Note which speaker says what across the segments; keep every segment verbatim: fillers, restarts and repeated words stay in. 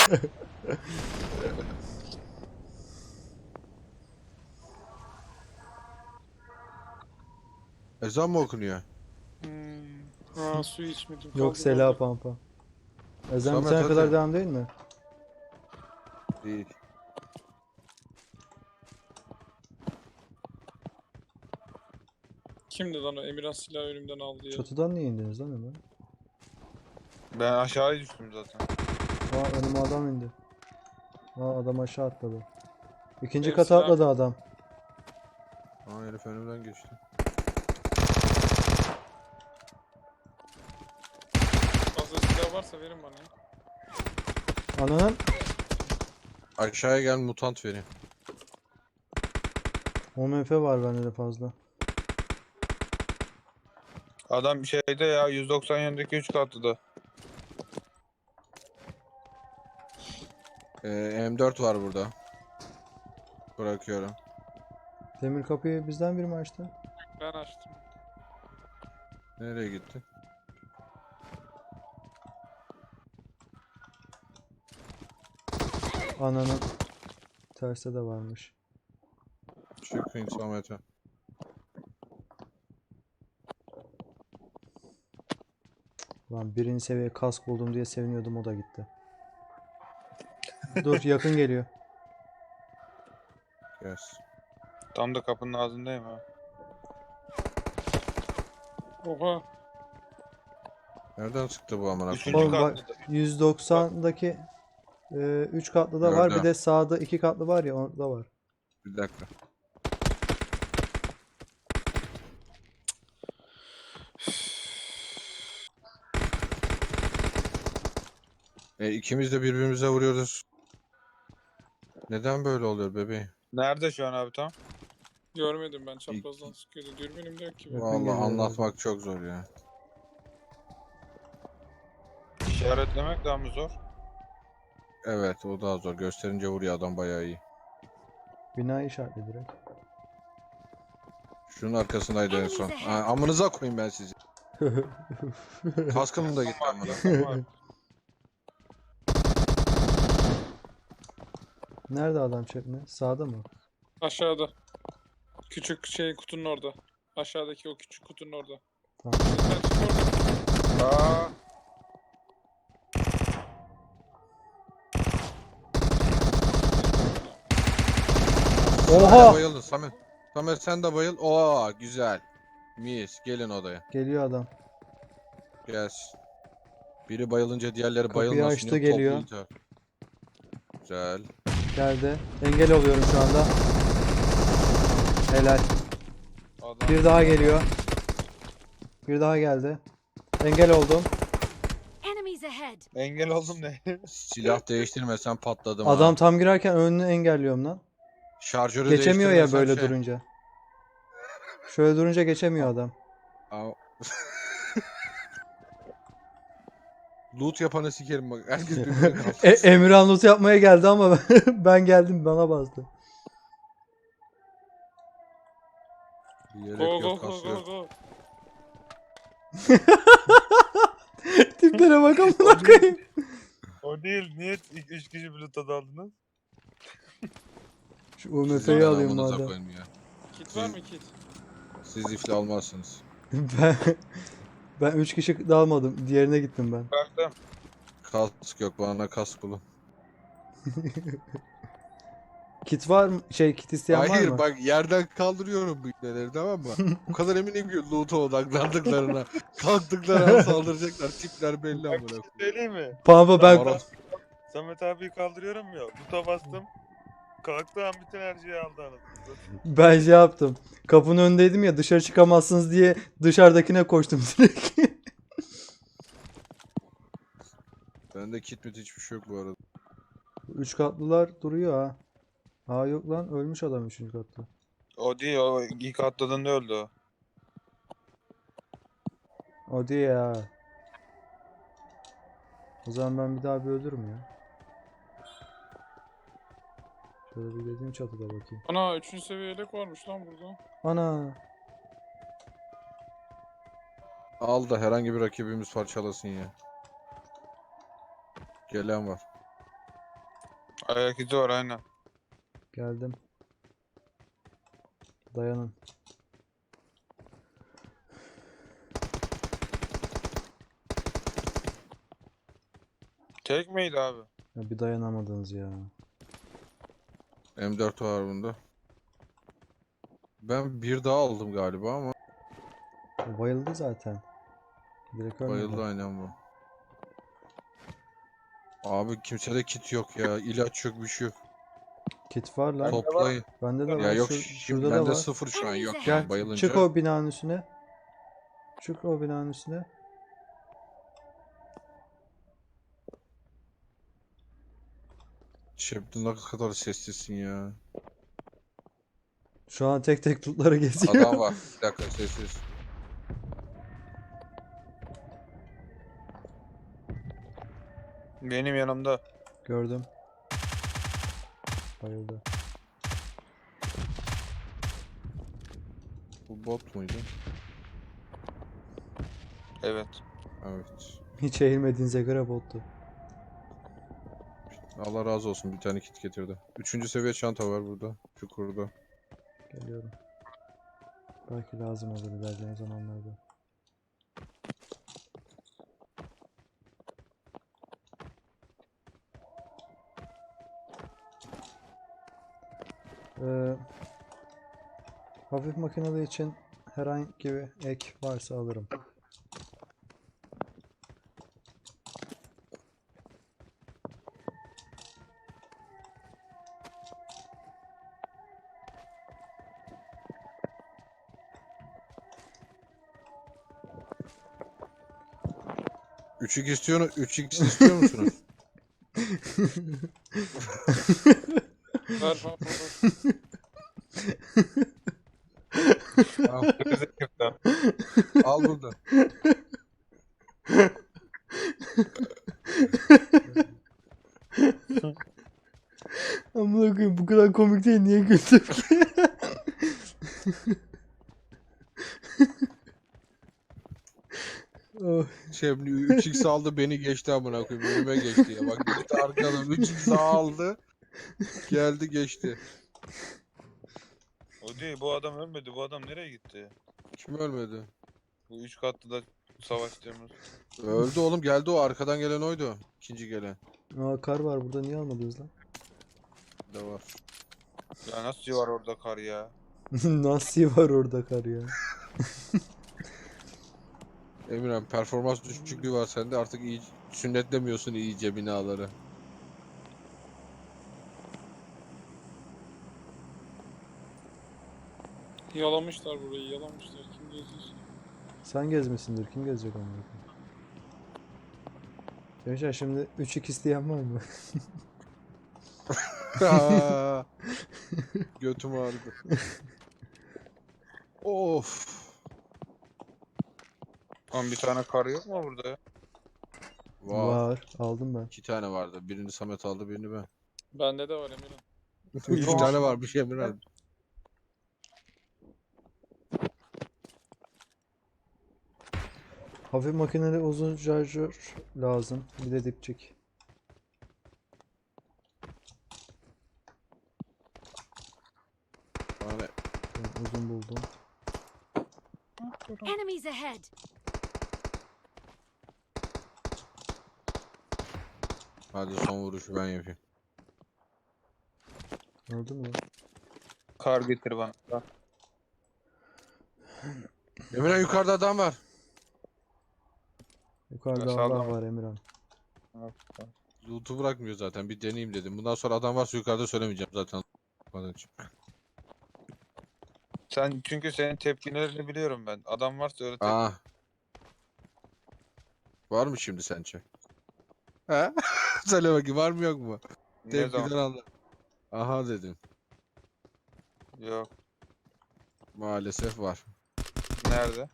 Speaker 1: Ezan mı okunuyor?
Speaker 2: Hmm. Ha, su içmedim.
Speaker 3: Yok
Speaker 2: Kaldır
Speaker 3: Sela
Speaker 2: kaldır.
Speaker 3: pampa. Ezan
Speaker 1: Samet,
Speaker 3: bitene
Speaker 1: hadi.
Speaker 3: kadar devam değil mi?
Speaker 1: Değil.
Speaker 2: Kimdi lan o? Emirhan silahı önümden aldı ya.
Speaker 3: Çatıdan niye indiniz lan hemen?
Speaker 4: Ben aşağıya düştüm zaten.
Speaker 3: Aa önüme adam indi. Aa adam aşağı atladı. İkinci
Speaker 2: Benim
Speaker 3: kata
Speaker 2: silah-
Speaker 3: atladı adam.
Speaker 1: Aa, herif önümden geçti.
Speaker 2: Fazla silah varsa verin bana ya.
Speaker 3: Ananın
Speaker 1: Aşağıya gel, mutant vereyim.
Speaker 3: O M F var bende de fazla.
Speaker 4: Adam şeyde ya yüz doksan yönündeki üç katlıda.
Speaker 1: Ee, M dört var burada. Bırakıyorum.
Speaker 3: Demir kapıyı bizden biri mi açtı?
Speaker 2: Ben açtım.
Speaker 1: Nereye gitti?
Speaker 3: Ananın terste de varmış.
Speaker 1: Çıkın Samet'e.
Speaker 3: Lan birinci seviye kask buldum diye seviniyordum, o da gitti. Dur yakın geliyor.
Speaker 1: Yes.
Speaker 4: Tam da kapının ağzındayım ha.
Speaker 2: Oha.
Speaker 1: Nereden çıktı bu amına
Speaker 4: Üçüncü
Speaker 1: koyayım?
Speaker 3: Oğlum bak
Speaker 4: katlıda.
Speaker 3: yüz doksan'daki üç katlı da var, bir
Speaker 1: Gördüm.
Speaker 3: de sağda iki katlı var ya, orada var.
Speaker 1: Bir dakika. E, ikimiz de birbirimize vuruyoruz. Neden böyle oluyor bebeğim?
Speaker 4: Nerede şu an abi tam?
Speaker 2: Görmedim ben, çaprazdan sıkıyordu. Dürbünüm de yok ki benim.
Speaker 3: Yakın
Speaker 1: Vallahi
Speaker 3: geliyor
Speaker 1: anlatmak çok zor ya.
Speaker 4: İşaretlemek daha mı zor?
Speaker 1: Evet, o daha zor. Gösterince vuruyor adam, bayağı iyi.
Speaker 3: Bina işaretli direkt.
Speaker 1: Şunun arkasındaydı en son. Ha, amınıza koyayım ben sizi. Kaskım da gitti amına.
Speaker 4: Var.
Speaker 3: Nerede adam çekme? Sağda mı?
Speaker 2: Aşağıda. Küçük şey kutunun orada. Aşağıdaki o küçük kutunun orada.
Speaker 3: Tamam.
Speaker 2: Sen çık orada.
Speaker 4: Aa,
Speaker 3: Oha!
Speaker 1: Bayıldın Samet. Samet sen de bayıl. Oo güzel. Mis. Gelin odaya.
Speaker 3: Geliyor adam.
Speaker 1: Gelsin. Biri bayılınca diğerleri
Speaker 3: Kapıyı
Speaker 1: bayılmasın
Speaker 3: açtı,
Speaker 1: diye
Speaker 3: geliyor.
Speaker 1: toplu intihar. Güzel.
Speaker 3: Geldi. Engel oluyorum şu anda. Helal.
Speaker 4: adam.
Speaker 3: Bir daha geliyor. Bir daha geldi. Engel oldum.
Speaker 5: Enemies ahead.
Speaker 4: Engel oldum ne?
Speaker 1: Silah değiştirmesen patladım
Speaker 3: Adam
Speaker 1: ha.
Speaker 3: tam girerken önünü engelliyorum lan.
Speaker 1: Şarjörü
Speaker 3: Geçemiyor ya
Speaker 1: değiştirmesen
Speaker 3: böyle
Speaker 1: şey-
Speaker 3: durunca. Şöyle durunca geçemiyor adam.
Speaker 1: Aa. Loot yapanı sikerim bak. Herkes birbirine kalsın.
Speaker 3: E, Emirhan loot yapmaya geldi ama ben geldim, bana bastı.
Speaker 1: Yelek
Speaker 2: Go
Speaker 1: yok,
Speaker 2: go go
Speaker 1: kas
Speaker 2: go
Speaker 1: yok.
Speaker 2: go.
Speaker 3: Tiplere bak amına koyayım.
Speaker 4: O değil. Niye ilk üç kişi Bluetooth aldınız?
Speaker 3: Şu U M
Speaker 1: Sizin
Speaker 3: F'yi
Speaker 1: ben
Speaker 3: alayım
Speaker 1: amınıza
Speaker 3: madem.
Speaker 1: koyayım ya.
Speaker 2: Kit var mı kit?
Speaker 1: Siz iflah almazsınız.
Speaker 3: Ben ben üç kişi dalmadım. Diğerine gittim ben.
Speaker 4: Baktım.
Speaker 1: Kask yok, bana kask bulun.
Speaker 3: Kit var mı? Şey, kit isteyen var
Speaker 1: Hayır
Speaker 3: mı?
Speaker 1: bak, yerden kaldırıyorum bu ipneleri, tamam mı? O kadar eminim ki loot'a odaklandıklarına. Kalktıkları an saldıracaklar. Tipler belli
Speaker 4: Bak
Speaker 1: amına
Speaker 4: bir şey
Speaker 1: koyayım.
Speaker 4: söyleyeyim mi?
Speaker 3: Pampa ben
Speaker 1: Moral-
Speaker 4: Samet abiyi kaldırıyorum ya. Buta bastım. Kalktığı an bütün her şeyi aldı anasını.
Speaker 3: ben şey yaptım. Kapının önündeydim ya, dışarı çıkamazsınız diye dışarıdakine koştum direkt.
Speaker 1: Bende kit mit hiçbir şey yok bu arada.
Speaker 3: Üç katlılar duruyor ha. Aa yok lan, ölmüş adam üçüncü katta.
Speaker 4: O değil, o ilk atladığında öldü o.
Speaker 3: O diye ya. O zaman ben bir daha bir ölürüm ya. Şöyle bir dediğim çatıda bakayım.
Speaker 2: Ana üçüncü seviye yelek varmış lan burada.
Speaker 3: Ana.
Speaker 1: Al da herhangi bir rakibimiz parçalasın ya. Gelen var.
Speaker 4: Ayak izi var aynen.
Speaker 3: Geldim. Dayanın.
Speaker 4: Tek miydi abi?
Speaker 3: Ya bir dayanamadınız ya.
Speaker 1: M dört var bunda. Ben bir daha aldım galiba ama
Speaker 3: O bayıldı zaten. Direkt ölmedi.
Speaker 1: bayıldı aynen bu. Abi kimsede kit yok ya. İlaç yok, bir şey yok.
Speaker 3: Kit var lan.
Speaker 1: Toplayın.
Speaker 3: Bende de var.
Speaker 1: Ya yok
Speaker 3: Şur-
Speaker 1: şimdi
Speaker 3: şurada da
Speaker 1: bende
Speaker 3: var.
Speaker 1: sıfır şu an yok
Speaker 5: Gel,
Speaker 1: yani
Speaker 3: Gel
Speaker 1: bayılınca.
Speaker 3: çık o binanın üstüne. Çık o binanın üstüne.
Speaker 1: Şebnem ne kadar sessizsin ya.
Speaker 3: Şu an tek tek lootları geziyor.
Speaker 1: Adam var. Bir dakika sessiz.
Speaker 4: Benim yanımda.
Speaker 3: Gördüm. Bayıldı.
Speaker 1: Bu bot muydu?
Speaker 4: Evet.
Speaker 1: Evet.
Speaker 3: Hiç eğilmediğinize göre bottu.
Speaker 1: Allah razı olsun bir tane kit getirdi. Üçüncü seviye çanta var burada. Çukurda.
Speaker 3: Geliyorum. Belki lazım olur ilerleyen zamanlarda. Ee, hafif makinalı için herhangi bir ek varsa alırım.
Speaker 1: üç x istiyor, üç x istiyor musunuz?
Speaker 2: Ver ver ver.
Speaker 1: Al, al burada.
Speaker 3: Amına koyayım bu kadar komik değil, niye güldüm ki? Oh,
Speaker 1: Şebnem üç x aldı beni geçti amına koyayım. Önüme geçti ya. Bak gitti arkadan üç x aldı. Geldi geçti.
Speaker 4: O değil, bu adam ölmedi. Bu adam nereye gitti?
Speaker 1: Kim ölmedi?
Speaker 4: Bu üç katlı da savaştığımız.
Speaker 1: Öldü oğlum, geldi o arkadan gelen oydu. İkinci gelen.
Speaker 3: aa, kar var burada, niye almadınız lan?
Speaker 1: De var.
Speaker 4: Ya nasıl var orada kar ya?
Speaker 3: Nasıl var orada kar ya?
Speaker 1: Emirhan performans düşüklüğü var sende, artık iyi sünnetlemiyorsun iyice binaları.
Speaker 2: Yalamışlar burayı, yalamışlar. Kim geziyorsa.
Speaker 3: Sen gezmesindir, kim gezecek amına koyayım? Gençler şimdi üç x isteyen var mı?
Speaker 1: Götüm ağrıdı. Of.
Speaker 4: Oğlum bir tane kar yok mu burada ya?
Speaker 1: Var.
Speaker 3: Var. Aldım ben.
Speaker 1: İki tane vardı. Birini Samet aldı, birini ben.
Speaker 2: Bende de var Emirhan.
Speaker 1: Üç tane varmış Emirhan.
Speaker 3: Hafif makineli uzun şarjör lazım. Bir de dipçik.
Speaker 1: Yani
Speaker 3: Ben uzun buldum.
Speaker 5: Enemies ahead!
Speaker 1: hadi son vuruşu ben yapayım.
Speaker 3: Öldü mü?
Speaker 4: Kar getir bana. Bak.
Speaker 1: Emirhan yukarıda adam var.
Speaker 3: Yukarıda
Speaker 4: Nasıl
Speaker 3: Allah
Speaker 4: aldım?
Speaker 3: var Emirhan.
Speaker 1: Loot'u bırakmıyor zaten. Bir deneyeyim dedim. Bundan sonra adam varsa yukarıda söylemeyeceğim zaten. Onun için.
Speaker 4: Sen çünkü senin tepkilerini biliyorum ben. Adam varsa öyle tepki.
Speaker 1: Aa. Var mı şimdi sence? He? Söyle bakayım, var mı yok mu?
Speaker 4: Ne
Speaker 1: Tepkiden
Speaker 4: zaman?
Speaker 1: anla. Aha dedim.
Speaker 4: Yok.
Speaker 1: Maalesef var.
Speaker 4: Nerede?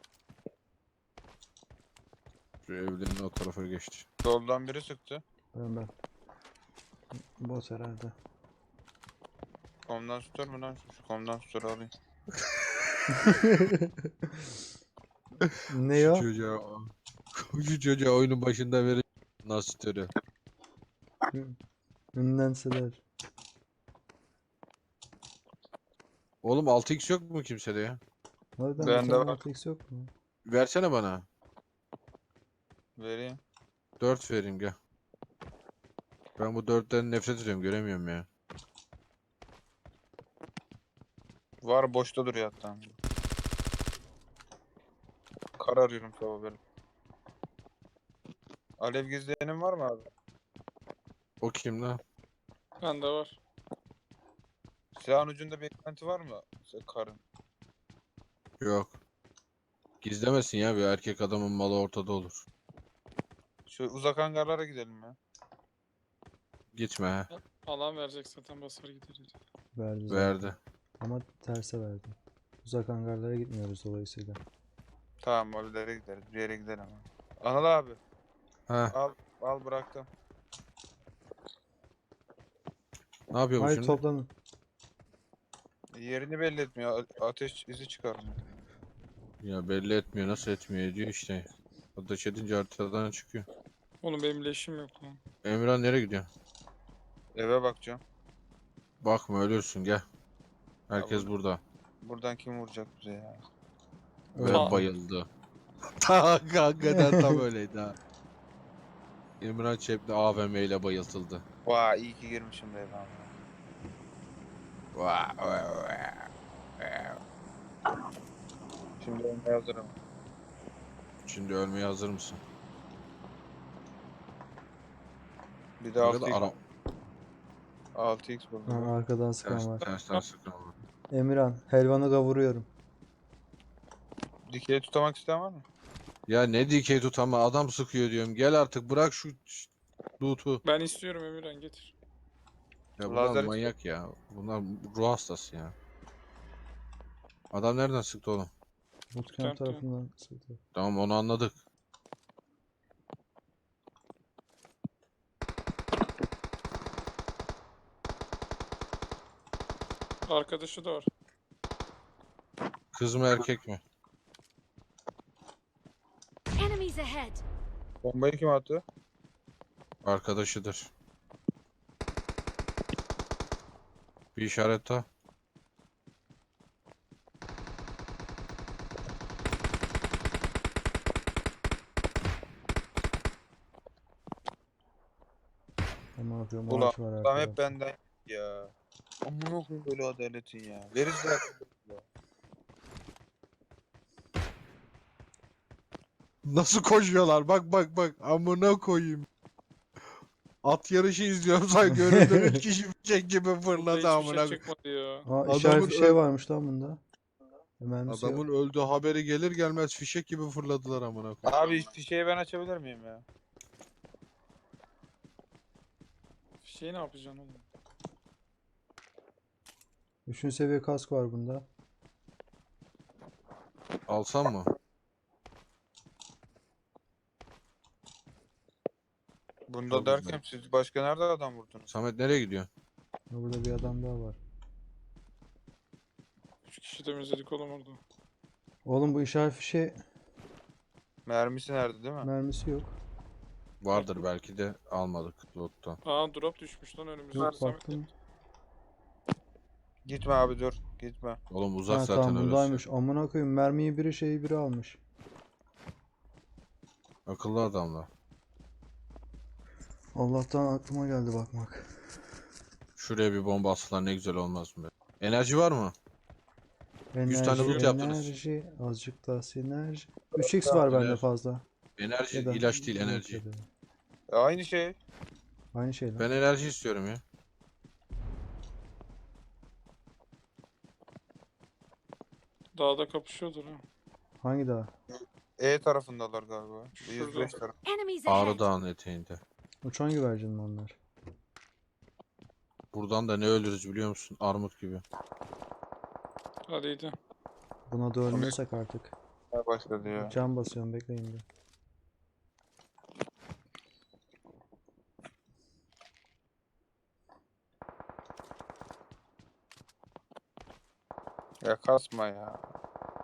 Speaker 1: Şu evlerin o tarafa geçti.
Speaker 4: Soldan biri sıktı.
Speaker 3: Ben ben. Bot herhalde.
Speaker 4: Komdan tutar mı lan? Şu komdan tutar alayım.
Speaker 3: Ne
Speaker 1: Şu
Speaker 3: o?
Speaker 1: çocuğa, şu çocuğa oyunun başında verin. Nasıl törü?
Speaker 3: Ünlenseler.
Speaker 1: Oğlum altı x yok mu kimsede ya?
Speaker 3: Harbiden bir
Speaker 4: Bende
Speaker 3: tane
Speaker 4: var.
Speaker 3: altı x yok mu?
Speaker 1: Versene bana.
Speaker 4: Vereyim.
Speaker 1: dört vereyim gel. Ben bu dörtten nefret ediyorum, göremiyorum ya.
Speaker 4: Var boşta duruyor hatta. Kar arıyorum sabah böyle. Alev gizleyenin var mı abi?
Speaker 1: O kim lan?
Speaker 2: Bende var.
Speaker 4: Silahın ucunda bir eklenti var mı? Se- Karın.
Speaker 1: Yok. Gizlemesin ya, bir erkek adamın malı ortada olur.
Speaker 4: Şu uzak hangarlara gidelim ya.
Speaker 1: Gitme ha.
Speaker 2: Alan verecek zaten basar gideriz.
Speaker 3: Verdi zaten.
Speaker 1: Verdi.
Speaker 3: Ama terse verdi. Uzak hangarlara gitmiyoruz dolayısıyla.
Speaker 4: Tamam abilere gideriz. Bir yere gidelim abi. Anıl abi.
Speaker 1: Ha,
Speaker 4: Al al bıraktım.
Speaker 1: ne yapıyor bu
Speaker 3: Haydi
Speaker 1: şimdi?
Speaker 3: toplanın.
Speaker 4: Yerini belli etmiyor. A- Ateş izi çıkarmıyor.
Speaker 1: Ya belli etmiyor, nasıl etmiyor diyor işte. Ateş edince haritadan çıkıyor.
Speaker 2: Oğlum benim leşim yok lan.
Speaker 1: Emirhan nereye gidiyor?
Speaker 4: Eve bakacağım.
Speaker 1: Bakma ölürsün, gel. Herkes
Speaker 4: bu-
Speaker 1: burada.
Speaker 4: Buradan kim vuracak bize ya?
Speaker 1: Ve
Speaker 3: Evet.
Speaker 1: bayıldı. Ta hakikaten tam öyleydi ha. İmran Çepni A V M ile bayıltıldı.
Speaker 4: Vay iyi ki girmişim be eve.
Speaker 1: Vaa, vaa, vaa.
Speaker 4: Şimdi olmaya hazırım.
Speaker 1: Şimdi ölmeye hazır mısın?
Speaker 4: Bir de
Speaker 1: Ne
Speaker 4: altı
Speaker 1: kadar
Speaker 4: x,
Speaker 1: ara...
Speaker 4: altı x
Speaker 3: Ha,
Speaker 4: buldum.
Speaker 3: arkadan sıkan
Speaker 1: Ters,
Speaker 3: var.
Speaker 1: tersten sıkan var.
Speaker 3: Emirhan, helvanı kavuruyorum.
Speaker 4: Dikey tutamak isteyen var mı?
Speaker 1: Ya ne dikey tut ama adam sıkıyor diyorum. Gel artık bırak şu ş- loot'u.
Speaker 2: Ben istiyorum Emirhan getir.
Speaker 1: Ya bunlar
Speaker 4: Lazer-
Speaker 1: manyak ya. Bunlar ruh hastası ya. Adam nereden sıktı oğlum?
Speaker 3: Bootcamp
Speaker 2: Bootcamp'te.
Speaker 3: tarafından sıktı.
Speaker 1: Tamam, onu anladık.
Speaker 2: Arkadaşı da var.
Speaker 1: Kız mı erkek mi?
Speaker 5: Enemies ahead!
Speaker 4: Bombayı kim attı?
Speaker 1: Arkadaşıdır. Bir işaret daha.
Speaker 3: Ama yapıyorum
Speaker 4: Ulan
Speaker 3: ağaç var
Speaker 4: adam
Speaker 3: arkada.
Speaker 4: hep benden ya. Amına koyayım böyle adaletin ya. Veririz zaten.
Speaker 1: Nasıl koşuyorlar? Bak bak bak. Amına koyayım. At yarışı izliyorum sanki önümden üç kişi fişek gibi
Speaker 2: Burada
Speaker 1: fırladı
Speaker 2: hiçbir
Speaker 1: amına
Speaker 2: şey
Speaker 1: koyayım.
Speaker 2: çıkmadı ya.
Speaker 3: Aa
Speaker 1: Adamın
Speaker 3: işaret bir şey
Speaker 1: ö-
Speaker 3: varmış lan bunda. Mermisi yok.
Speaker 1: Adamın öldüğü haberi gelir gelmez fişek gibi fırladılar amına koyayım.
Speaker 4: Abi fişeği ben açabilir miyim ya?
Speaker 2: Şey ne yapacaksın oğlum?
Speaker 3: Üçüncü seviye kask var bunda.
Speaker 1: Alsam mı?
Speaker 4: Bunda
Speaker 1: Çok
Speaker 4: derken
Speaker 1: güzel.
Speaker 4: siz başka nerede adam vurdunuz?
Speaker 1: Samet nereye gidiyor?
Speaker 3: Burada bir adam daha var.
Speaker 2: Üç kişi temizledik oğlum orada.
Speaker 3: Oğlum bu işaret fişe
Speaker 4: Mermisi nerede değil mi?
Speaker 3: mermisi yok.
Speaker 1: Vardır belki de almadık loot'tan.
Speaker 2: Aa drop düşmüş lan önümüzde.
Speaker 3: Yok
Speaker 2: Samet
Speaker 3: baktım.
Speaker 4: Gitme abi dur. Gitme.
Speaker 1: Oğlum uzak
Speaker 3: Ha
Speaker 1: zaten
Speaker 3: tamam
Speaker 1: orası.
Speaker 3: bundaymış. Amına koyayım mermiyi biri şeyi biri almış.
Speaker 1: Akıllı adamlar.
Speaker 3: Allah'tan aklıma geldi bakmak.
Speaker 1: Şuraya bir bomba atsalar ne güzel olmaz mı be? Enerji var mı? yüz tane
Speaker 3: Enerji,
Speaker 1: loot yaptınız.
Speaker 3: enerji, azıcık daha sinerji. üç x var bende
Speaker 1: Enerji.
Speaker 3: fazla.
Speaker 1: Enerji
Speaker 3: Ya da
Speaker 1: ilaç değil,
Speaker 3: yok
Speaker 1: enerji.
Speaker 3: ya da.
Speaker 4: E, aynı şey.
Speaker 3: Aynı şey lan.
Speaker 1: Ben enerji istiyorum ya.
Speaker 2: Dağda kapışıyordur ha.
Speaker 3: Hangi dağ?
Speaker 4: E tarafındalar galiba.
Speaker 2: Şurada.
Speaker 4: yüz beş taraf.
Speaker 5: Enemies
Speaker 1: Ağrı
Speaker 5: ahead!
Speaker 1: Dağı'nın eteğinde.
Speaker 3: Uçan güvercin mi onlar?
Speaker 1: Buradan da ne ölürüz biliyor musun? Armut gibi.
Speaker 2: Hadi gidelim.
Speaker 3: Buna da ölmezsek artık.
Speaker 4: Başladı ya.
Speaker 3: Can basıyorum bekleyin bir.
Speaker 4: Ya kasma ya.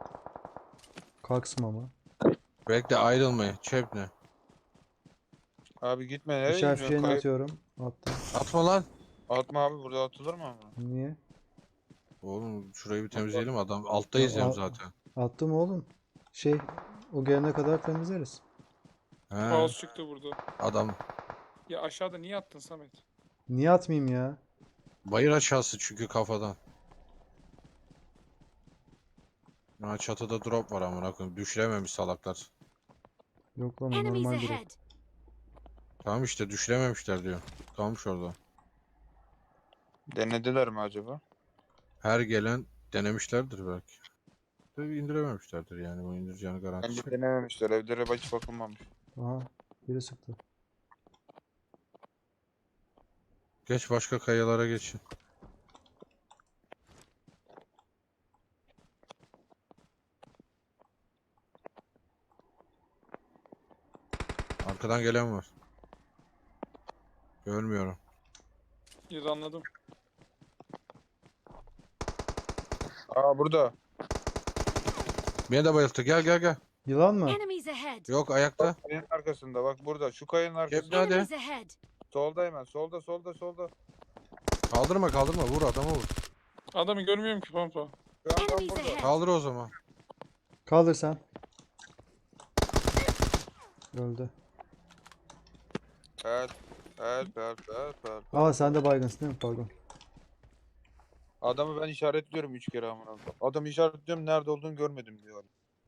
Speaker 3: Kalksma mı?
Speaker 1: Bekle ayrılmayın. Çep ne?
Speaker 4: Abi gitme nereye
Speaker 3: İşaret
Speaker 4: gidiyorsun?
Speaker 3: fişeğini
Speaker 4: Kayıp.
Speaker 3: atıyorum. Attım.
Speaker 1: Atma lan.
Speaker 4: Atma abi burada atılır mı ama?
Speaker 3: Niye?
Speaker 1: Oğlum şurayı bir temizleyelim, adam altta
Speaker 3: Ya,
Speaker 1: izleyelim
Speaker 3: a-
Speaker 1: zaten.
Speaker 3: Attım oğlum. Şey, o gelene kadar temizleriz.
Speaker 1: He,
Speaker 2: Kaos çıktı burada.
Speaker 1: adam
Speaker 2: Ya aşağıda niye attın Samet?
Speaker 3: Niye atmayayım ya?
Speaker 1: bayır aşağısı çünkü kafadan. Ha, çatıda drop var amına koyayım. Düşürememiş salaklar.
Speaker 3: Yok lan o
Speaker 5: Enemies
Speaker 3: normal drop.
Speaker 5: ahead.
Speaker 1: Tamam işte düşürememişler diyor. Kalmış orada.
Speaker 4: Denediler mi acaba?
Speaker 1: Her gelen denemişlerdir belki. Tabii indirememişlerdir yani, bu indireceğini
Speaker 4: Bence
Speaker 1: garantisi.
Speaker 4: denememişler. Evlere hiç bakılmamış.
Speaker 3: Aha, biri sıktı.
Speaker 1: Geç başka kayalara geçin. Arkadan gelen var. Görmüyorum.
Speaker 2: Ya da anladım.
Speaker 4: Aa burada.
Speaker 1: Beni de bayılttı. Gel gel gel.
Speaker 3: Yılan mı?
Speaker 5: Enemies ahead.
Speaker 1: Yok, ayakta.
Speaker 4: Kayanın arkasında bak burada. Şu kayanın arkasında.
Speaker 1: Hadi.
Speaker 5: Enemies ahead.
Speaker 4: Solda hemen. Solda solda solda.
Speaker 1: Kaldırma kaldırma, vur adamı vur.
Speaker 2: Adamı görmüyorum ki pampa.
Speaker 4: Şu an tam
Speaker 5: Enemies
Speaker 4: burada.
Speaker 5: ahead.
Speaker 1: Kaldır o zaman.
Speaker 3: Kaldır sen. Öldü.
Speaker 4: Help. Help help help help.
Speaker 3: Aa sen de baygınsın değil mi? Pardon.
Speaker 4: Adamı ben işaretliyorum üç kere amına koyayım. Adamı işaretliyorum nerede olduğunu görmedim diyor.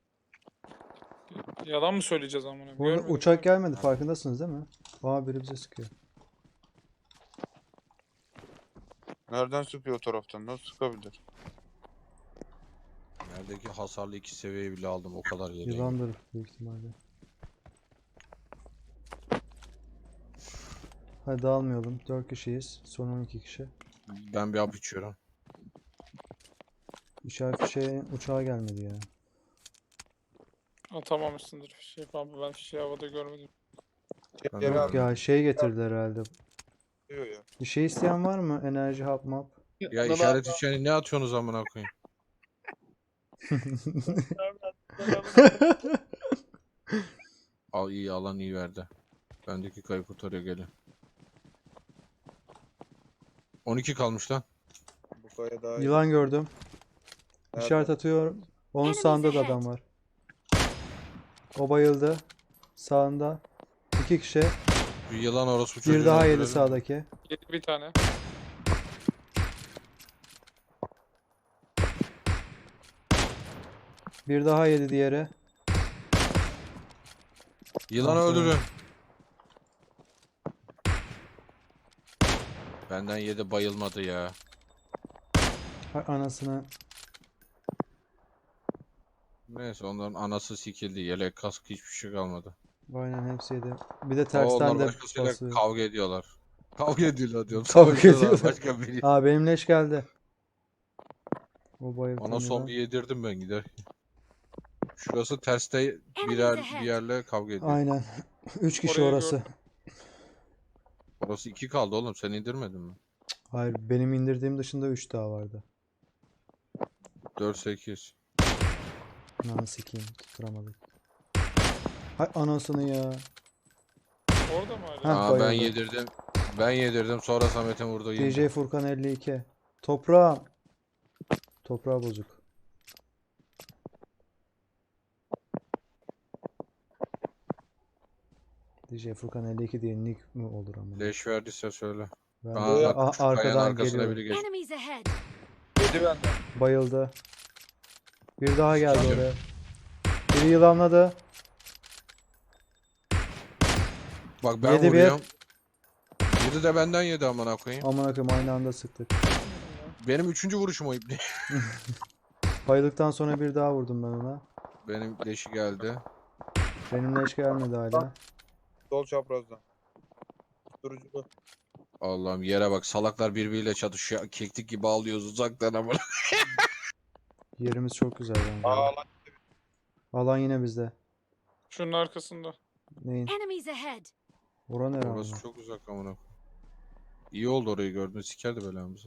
Speaker 2: Yalan mı söyleyeceğiz amına?
Speaker 3: Bu arada
Speaker 2: Görmedim.
Speaker 3: uçak gelmedi, farkındasınız değil mi? Aa biri bize sıkıyor.
Speaker 4: Nereden sıkıyor o taraftan? Nasıl sıkabilir?
Speaker 1: Neredeki hasarlı iki seviyeyi bile aldım, o kadar yere.
Speaker 3: Yılandır büyük ihtimalle. Hadi dağılmayalım. dört kişiyiz. Son on iki kişi.
Speaker 1: Ben bir hap içiyorum.
Speaker 3: İşaret fişeği uçağa gelmedi ya.
Speaker 2: Atamamışsındır fişeği pampa. Ben fişeği havada görmedim.
Speaker 1: Ben
Speaker 4: Geri
Speaker 1: de-
Speaker 4: abi
Speaker 3: Ya şey getirdiler herhalde.
Speaker 4: diyor ya.
Speaker 3: Bir şey isteyen var mı? Enerji hap map.
Speaker 1: Ya işaret içeni ne atıyorsunuz amına koyayım? Al, iyi alan iyi verdi. Bendeki kayıp kurtarıyor, gelin. on iki kalmış lan.
Speaker 4: Bu kaya daha iyi.
Speaker 3: Yılan gördüm.
Speaker 4: Nerede?
Speaker 3: İşaret atıyorum. Onun
Speaker 5: Enemies
Speaker 3: sağında da
Speaker 5: ahead.
Speaker 3: adam var. O bayıldı. Sağında. İki kişi.
Speaker 1: Bir yılan orospu
Speaker 3: Bir
Speaker 1: çocuğunu
Speaker 3: daha yedi
Speaker 1: öldürelim.
Speaker 3: sağdaki.
Speaker 2: Yedi bir tane.
Speaker 3: Bir daha yedi diğeri.
Speaker 1: Yılanı
Speaker 3: Ah be.
Speaker 1: öldürün. Benden yedi, bayılmadı ya.
Speaker 3: Hay anasını.
Speaker 1: Neyse, onların anası sikildi. Yelek, kask, hiçbir şey kalmadı.
Speaker 3: Aynen hepsi yedi. Bir de
Speaker 1: Ama
Speaker 3: tersten
Speaker 1: onlar
Speaker 3: de
Speaker 1: başkasıyla
Speaker 3: basıyor.
Speaker 1: kavga ediyorlar. Kavga ediyorlar diyorum.
Speaker 3: Kavga
Speaker 1: Savaşıyorlar
Speaker 3: ediyorlar.
Speaker 1: başka biri.
Speaker 3: Aa benim leş geldi. O bayıldı.
Speaker 1: Ona son bir yedirdim ben giderken. Şurası terste birer bir yerle kavga ediyor.
Speaker 3: Aynen. Üç kişi
Speaker 2: Orayı
Speaker 3: orası.
Speaker 2: gördüm.
Speaker 1: Orası iki kaldı oğlum, sen indirmedin mi?
Speaker 3: Hayır benim indirdiğim dışında üç daha vardı.
Speaker 1: dört sekiz.
Speaker 3: Lan sikeyim tutturamadık. Hay anasını ya.
Speaker 2: Orada mı hala?
Speaker 3: Ha,
Speaker 1: Aa, ben
Speaker 3: bayıldı.
Speaker 1: yedirdim. Ben yedirdim, sonra Samet'in vurdu.
Speaker 3: D J Furkan elli iki. Toprağım. Toprağı bozuk. D J Furkan elli iki diye nick mi olur ama?
Speaker 1: Leş verdiyse söyle.
Speaker 3: Ben
Speaker 1: Aa,
Speaker 3: de
Speaker 1: bak,
Speaker 3: a-
Speaker 1: şu kayanın
Speaker 3: arkadan
Speaker 1: arkasına
Speaker 3: geliyorum.
Speaker 1: biri geç.
Speaker 5: Enemies ahead.
Speaker 4: Yedi benden.
Speaker 3: Bayıldı. Bir daha geldi
Speaker 1: Sikeceğim.
Speaker 3: oraya. Biri yılanladı.
Speaker 1: Bak ben
Speaker 3: Yedi bir.
Speaker 1: vuruyorum. Yedi de benden yedi amına koyayım.
Speaker 3: Aman akım aynı anda sıktık.
Speaker 1: Benim üçüncü vuruşum o ibni.
Speaker 3: Bayıldıktan sonra bir daha vurdum ben ona.
Speaker 1: Benim leşi geldi.
Speaker 3: Benim leş gelmedi hala.
Speaker 4: Sol çaprazdan. Durucu bu.
Speaker 1: Allah'ım, yere bak, salaklar birbiriyle çatışıyor. Keklik gibi ağlıyoruz uzaktan ama.
Speaker 3: Yerimiz çok güzel bence.
Speaker 4: Aa lan.
Speaker 3: Alan yine bizde.
Speaker 2: Şunun arkasında.
Speaker 3: Neyin?
Speaker 5: Enemies ahead.
Speaker 3: Oran herhalde.
Speaker 1: Orası çok uzak amına koyayım. İyi oldu orayı gördün, sikerdi belamızı.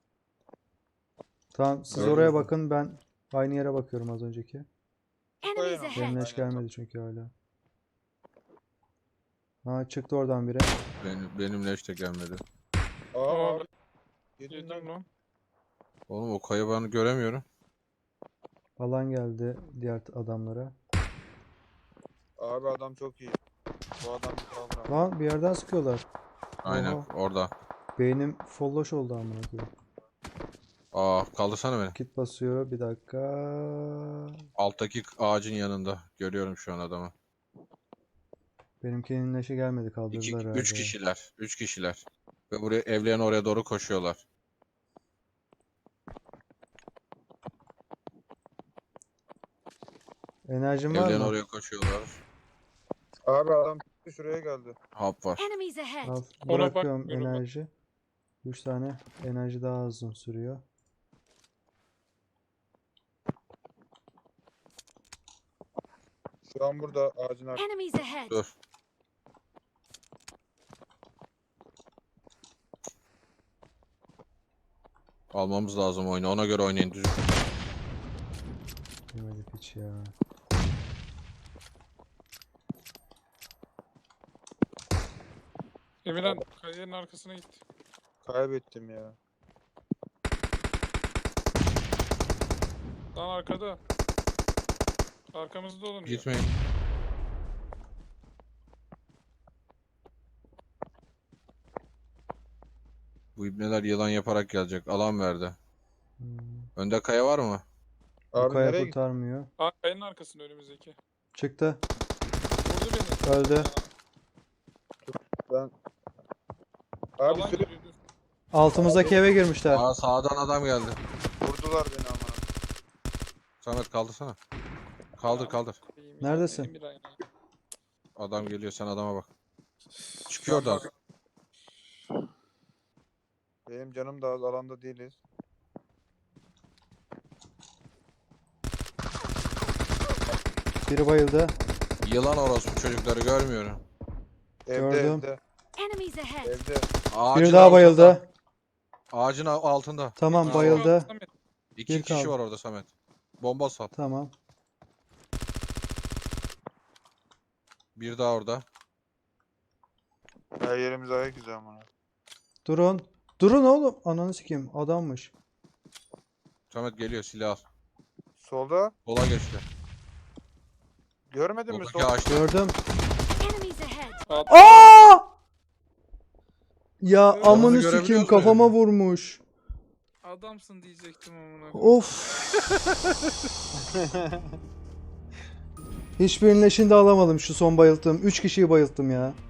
Speaker 3: Tamam siz
Speaker 1: Gördüm.
Speaker 3: oraya bakın, ben aynı yere bakıyorum az önceki.
Speaker 5: Enemies
Speaker 4: Aynen.
Speaker 3: Benim
Speaker 5: ahead.
Speaker 3: leş gelmedi çünkü hala. Ha çıktı oradan biri.
Speaker 1: Benim, benim leş de gelmedi.
Speaker 2: Aa,
Speaker 4: Aa
Speaker 2: abi,
Speaker 4: abi. Yedim
Speaker 2: yedim
Speaker 4: lan.
Speaker 2: lan.
Speaker 1: Oğlum o kayı ben göremiyorum.
Speaker 3: Alan geldi diğer adamlara.
Speaker 4: Abi adam çok iyi. Bu adam bir kavga.
Speaker 3: Lan bir yerden sıkıyorlar.
Speaker 1: Aynen
Speaker 3: Oha.
Speaker 1: orada.
Speaker 3: Beynim folloş oldu amına koyayım.
Speaker 1: Aa kaldırsana beni.
Speaker 3: Kit basıyor bir dakika.
Speaker 1: Alttaki ağacın yanında. Görüyorum şu an adamı.
Speaker 3: Benimkinin leşi gelmedi,
Speaker 1: İki,
Speaker 3: kaldırdılar herhalde.
Speaker 1: üç kişiler. Üç kişiler. Ve buraya evlerin oraya doğru koşuyorlar.
Speaker 3: Enerjin var
Speaker 1: Evlerin
Speaker 3: mı?
Speaker 1: oraya koşuyorlar.
Speaker 4: Abi adam şuraya geldi.
Speaker 1: Hap var.
Speaker 5: Enemies ahead.
Speaker 3: Al,
Speaker 2: Ona
Speaker 3: bırakıyorum
Speaker 2: bakmıyorum ben.
Speaker 3: enerji. üç tane enerji daha uzun sürüyor.
Speaker 4: Şu an burada ağacın arkasında.
Speaker 5: Enemies ahead.
Speaker 1: Dur. Almamız lazım oyunu. Ona göre oynayın. Düz.
Speaker 3: Yemedik hiç ya.
Speaker 2: Emirhan kayının arkasına gitti.
Speaker 4: Kaybettim ya.
Speaker 2: Lan arkada. Arkamızda olun diyor.
Speaker 1: Gitmeyin. Bu ibneler yılan yaparak gelecek. Alan verdi.
Speaker 3: Hmm.
Speaker 1: Önde kaya var mı?
Speaker 3: Bu
Speaker 4: Abi
Speaker 3: kaya
Speaker 4: nereye gitti?
Speaker 3: kurtarmıyor.
Speaker 2: Aa, kayanın arkasında önümüzdeki.
Speaker 3: Çıktı.
Speaker 2: Vurdu beni.
Speaker 3: Öldü.
Speaker 4: Ben...
Speaker 2: Aa,
Speaker 4: Abi
Speaker 2: alan
Speaker 4: sürekli
Speaker 2: geliyordu.
Speaker 3: Altımızdaki eve girmişler.
Speaker 1: Aa sağdan adam geldi.
Speaker 4: vurdular beni ama.
Speaker 1: Samet kaldırsana. Kaldır kaldır.
Speaker 2: Koyayım ya,
Speaker 3: Neredesin?
Speaker 2: Emirhan ya.
Speaker 1: Adam geliyor, sen adama bak. Çıkıyor da.
Speaker 4: Benim canım da az, alanda değiliz.
Speaker 3: Biri bayıldı.
Speaker 1: Yılan orospu çocukları görmüyorum.
Speaker 4: Evde
Speaker 3: Gördüm.
Speaker 4: evde.
Speaker 5: Enemies ahead.
Speaker 4: Evde.
Speaker 1: Ağacın
Speaker 3: Biri daha
Speaker 1: altında.
Speaker 3: bayıldı.
Speaker 1: Ağacın al- altında.
Speaker 3: Tamam
Speaker 1: Aa,
Speaker 3: bayıldı.
Speaker 2: Samet,
Speaker 1: İki
Speaker 3: Bir
Speaker 1: kişi
Speaker 3: kaldı.
Speaker 1: var orada Samet. Bomba sat.
Speaker 3: Tamam.
Speaker 1: Bir daha orada.
Speaker 4: Her yerimiz ayak izi ama.
Speaker 3: Durun. Durun oğlum. Ananı sikeyim. Adammış.
Speaker 1: Samet geliyor, silah al.
Speaker 4: Solda.
Speaker 1: Sola geçti.
Speaker 4: Görmedin mi
Speaker 1: Soldaki
Speaker 4: sol?
Speaker 1: ağaçta.
Speaker 3: Gördüm.
Speaker 5: Enemies ahead.
Speaker 2: at-
Speaker 3: Aa! Ya
Speaker 2: Onu
Speaker 3: amını
Speaker 1: görebiliyoruz
Speaker 3: sikeyim,
Speaker 1: mu
Speaker 3: kafama
Speaker 1: yani?
Speaker 3: vurmuş.
Speaker 2: Adamsın diyecektim amına. koyayım.
Speaker 3: Of. Hiçbirinin leşini de alamadım şu son bayılttığım. üç kişiyi bayılttım ya.